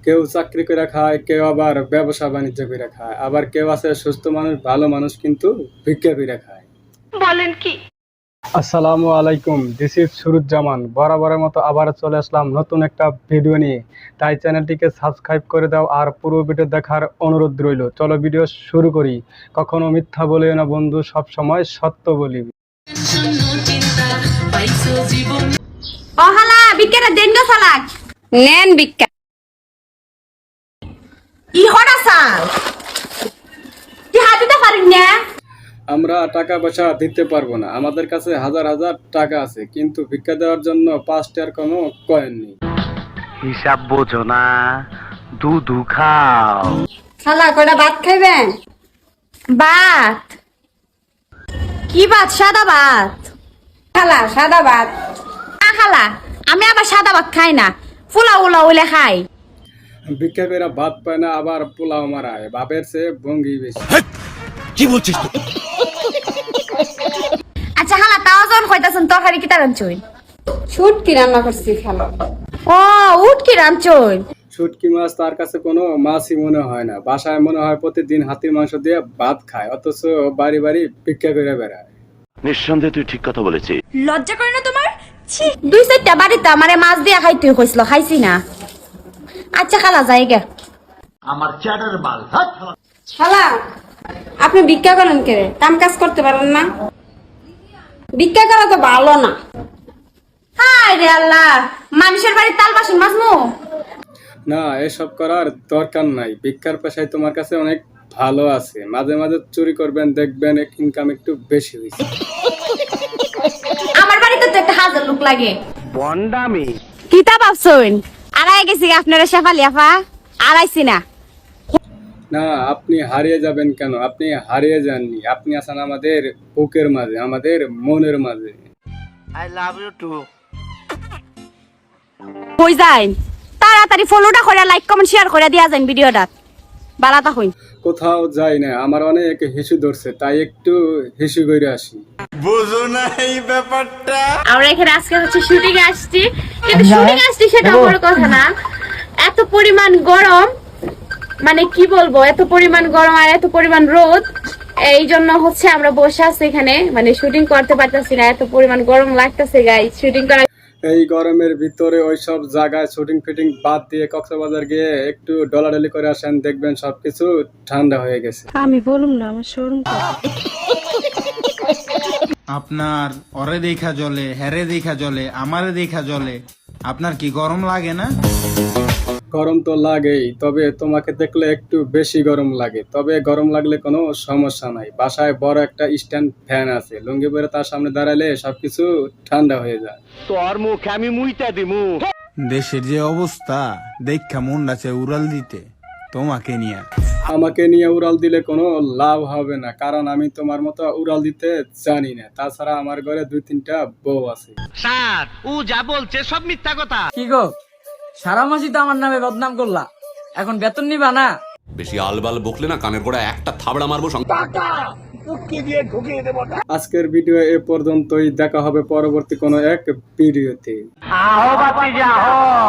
কেউ চাকরি করে খায়, কেউ আবার ব্যবসা বাণিজ্য করে খায়, আবার কেউ আছে সুস্থ মানুষ, ভালো মানুষ কিন্তু ভিক্ষা করে খায়। বলেন কি? আসসালামু আলাইকুম, দিস ইজ সুরুজ্জামান। বরাবরের মতো আবার চলে আসলাম নতুন একটা ভিডিও নিয়ে। তাই চ্যানেলটিকে সাবস্ক্রাইব করে দাও আর পুরো ভিডিও দেখার অনুরোধ রইল। চলো ভিডিও শুরু করি। কখনো মিথ্যা বলিও না বন্ধু, সব সময় সত্য বলি। ও হালা বিক্কেরা দেন গো ফালাক নেন বিক্কা ই হড়া সাল কি হাতিতে পারিন না। আমরা টাকা পয়সা দিতে পারবো না, আমাদের কাছে হাজার হাজার টাকা আছে, কিন্তু ভিক্ষা দেওয়ার জন্য 5 টাকার কোনো কয়েন নেই। হিসাব বোঝো না, দুধু খাও। খালা কয়টা ভাত খাইবেন? ভাত? কি ভাত? সাদা ভাত? খালা সাদা ভাত না খালা, আমি আবার সাদা ভাত খাই না, পোলাও উলাও হইলে খাই। ভিক্ষা করে ভাত পায় না, আবার পোলাও মারায়, বাপের চেয়ে ভঙ্গি বেশি। কি বলছিস তুই? আচ্ছা খালা, তাও যখন কইতাছেন তরকারি কি রাঁধছই? শুটকি রান্না করছি খালা। ও উটকি রাঁধছই? শুটকি মাছ তার কাছে কোনো মাছই মনে হয় না। বাসায় মনে হয় প্রতিদিন হাতির মাংস দিয়ে ভাত খায়, অথচ বাড়ি বাড়ি ভিক্ষা করে বেড়ায়। নিঃসন্দেহে তুই ঠিক কথা বলেছিস। লজ্জা করে না তোমার? ছি, 2-4টা বাড়িতে আমারে মাছ দিয়ে খাইতে কইছিল, খাইছি না। আচ্ছা খালা যাই গে। আমার চ্যাটার বাল। খালা আপনি ভিক্ষা করেন কে? কাম কাজ করতে পারেন না? ভিক্ষা করা তো ভালো না। হায় রে আল্লাহ, মানুষের বাড়ির তাল বাসন মাজমু? না, এসব করার দরকার নাই। ভিক্ষার পেশায় তোমার কাছে অনেক ভালো আছে। মাঝে মাঝে চুরি করবেন, দেখবেন ইনকাম একটু বেশি হয়েছে। আমার বাড়িতে তো একটা হাজার লোক লাগে। বন্ডামি। কিতা ভাবছুন আড়াই গেছি আপনারা শেফালি আফা? আড়াইছি না। না, আপনি হারিয়ে যাবেন কেন? আপনি হারিয়ে যাননি, আপনি আছেন আমাদের বুকের মাঝে, আমাদের মনের মাঝে। I love you too. কই যাইন? তাড়াতাড়ি ফলোটা করে লাইক কমেন্ট শেয়ার করে দিয়া যান ভিডিওটা। বালাতা হইন। কোথাও যাই না, আমার অনেক হিসু ধরছে, তাই একটু হিসু করে আসি। বুঝো না এই ব্যাপারটা? আমরা এখানে আজকে হচ্ছে শুটিং আসছি, কিন্তু শুটিং আসছি সেটা বড় কথা না। এত পরিমাণ গরম, মানে কি বলবো, এত পরিমাণ গরম আর এত পরিমাণ রোদ, এই জন্য হচ্ছে আমরা বসে আছি এখানে, মানে শুটিং করতে পারতেছি না, এত পরিমাণ গরম লাগতেছে গাইস। শুটিং করা এই গরমের ভিতরে ওইসব জায়গায় শুটিং ফিটিং বাদ দিয়ে কক্সবাজার গিয়ে একটু ডলাডলি করে আসেন, দেখবেন সবকিছু ঠান্ডা হয়ে গেছে। আমি বলুম না, আমার শরম করে। আপনার অরে দেখা জলে, হেরে দেখা জলে, আমারে দেখা জলে, আপনার কি গরম লাগে না? গরম তো লাগেই, তবে তোমাকে দেখলে একটু বেশি গরম লাগে। তবে গরম লাগলে কোনো সমস্যা নাই, বাসায় বড় একটা স্ট্যান্ড ফ্যান আছে, লুঙ্গি পরে তার সামনে দাঁড়ালে সবকিছু ঠান্ডা হয়ে যায়। তোর মুখে আমি মুইতা দিমু। দেশের যে অবস্থা দেখা মন আছে উড়াল দিতে তোমাকে নিয়ে। আমাকে নিয়ে উড়াল দিলে কোনো লাভ হবে না, কারণ আমি তোমার মতো উড়াল দিতে জানি না। তাছাড়া আমার ঘরে 2-3টা বউ আছে। স্যার ও যা বলছে সব মিথ্যা কথা। কি গো, সারা মাসই তো আমার নামে বদনাম করলা, এখন বেতন নিবা না? বেশি আলবাল বকলে না কানের গোড়ায় একটা থাবড়া মারবো। আজকের ভিডিও এ পর্যন্তই, দেখা হবে পরবর্তী কোনো এক ভিডিওতে। আহো বাতি যাও।